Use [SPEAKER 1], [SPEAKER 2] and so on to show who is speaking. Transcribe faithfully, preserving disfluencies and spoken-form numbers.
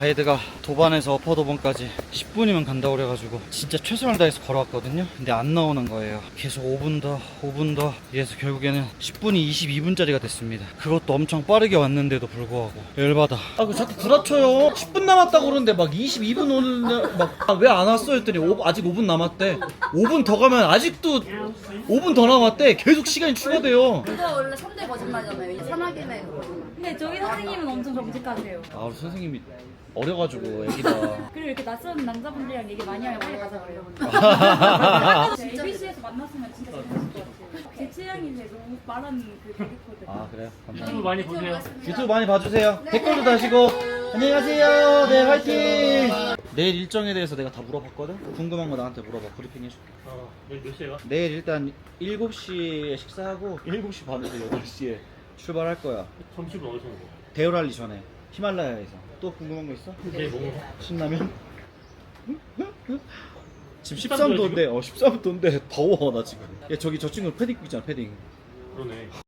[SPEAKER 1] 가이드가 도반에서 어퍼도반까지 십 분이면 간다고 그래가지고 진짜 최선을 다해서 걸어왔거든요. 근데 안 나오는 거예요. 계속 오 분 더 오 분 더 이래서 결국에는 십 분이 이십이 분짜리가 됐습니다. 그것도 엄청 빠르게 왔는데도 불구하고 열받아. 아 그 자꾸 구라쳐요. 십 분 남았다고 그러는데 막 이십이 분 오는데 막 왜 안 왔어 했더니 오, 아직 오 분 남았대. 오 분 더 가면 아직도 오 분 더 남았대. 계속 시간이 추가돼요.
[SPEAKER 2] 그거 원래 삼 대 거짓말이잖아요. 이 산악인의 거짓말.
[SPEAKER 3] 근데 저희 선생님은 엄청 정직하세요.
[SPEAKER 1] 아 우리 선생님이 어려가지고 애기다.
[SPEAKER 3] 그리고 이렇게 낯선 남자분들이랑 얘기 많이 하면 빨리 가자 그래요. 에이비씨에서 만났으면 진짜 재밌을 것 같아요. 제 취향인데 너무 말하는 그 캐릭터들.
[SPEAKER 1] 아 그래요? 감사합니다.
[SPEAKER 4] 유튜브 많이 보세요.
[SPEAKER 1] 유튜브 많이 봐주세요. 댓글도 다시고. 안녕히 가세요. 네, 화이팅. 내일 일정에 대해서 내가 다 물어봤거든. 궁금한 거 나한테 물어봐. 브리핑 해줄게.
[SPEAKER 4] 어, 내일 몇 시에요?
[SPEAKER 1] 내일 일단 일곱 시에 식사하고 일곱 시 반에서 여덟 시에 출발할 거야.
[SPEAKER 4] 점심은 어디서 먹어?
[SPEAKER 1] 대열알리 전에 히말라야에서. 또 궁금한 거 있어?
[SPEAKER 4] 내일 뭐 먹어?
[SPEAKER 1] 신라면? 지금 십삼 도인데 어 십삼 도인데 더워 나 지금. 야 저기 저 친구 패딩 입고 있잖아 패딩.
[SPEAKER 4] 그러네.